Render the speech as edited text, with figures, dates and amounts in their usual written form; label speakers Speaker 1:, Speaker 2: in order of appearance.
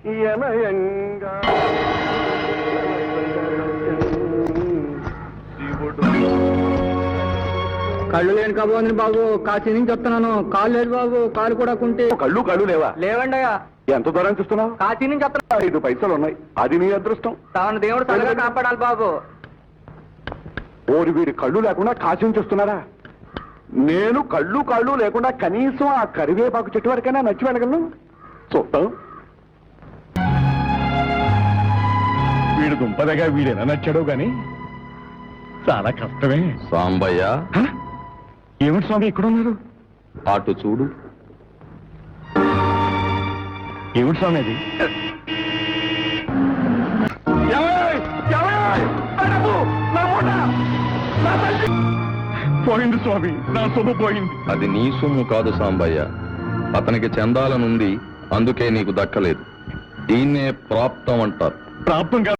Speaker 1: యనయంగా
Speaker 2: కళ్ళు లేని కాబోంది బాబు, కాశీ నుంచి వస్తున్నాను. కాలు లేదు బాబు, కాలు కూడా కుంటే.
Speaker 1: కళ్ళు లేవా?
Speaker 2: లేవండయ్యా.
Speaker 1: ఎంత దూరం చూస్తున్నావు?
Speaker 2: కాశీ నుంచి వస్తున్నా.
Speaker 1: 5 పైసలు ఉన్నాయి, అది నీ అదృష్టం.
Speaker 2: తాను దేవుడు చల్లగా కాపాడాలి బాబు.
Speaker 1: ఓరి వీరి కళ్ళు లేకుండా కాశీ నుంచి వస్తున్నారా? నేను కళ్ళు లేకుండా కనీసం ఆ కరివేపాకు చెట్టు వరకైనా నచ్చి వెళ్ళగలను. చూద్దాం. వీడు దుంపదగా వీడేనా నచ్చాడో గాని చాలా కష్టమే.
Speaker 3: సాంబయ్య,
Speaker 1: ఏమిటి స్వామి ఇక్కడ ఉన్నారు?
Speaker 3: అటు చూడు.
Speaker 1: ఏమిటి స్వామి అది? పోయింది స్వామి, నా సొమ్ము పోయింది.
Speaker 3: అది నీ సొమ్ము కాదు సాంబయ్య, అతనికి చందాలనుంది, అందుకే నీకు దక్కలేదు. దీన్నే ప్రాప్తం అంటారు.
Speaker 1: ప్రాప్తం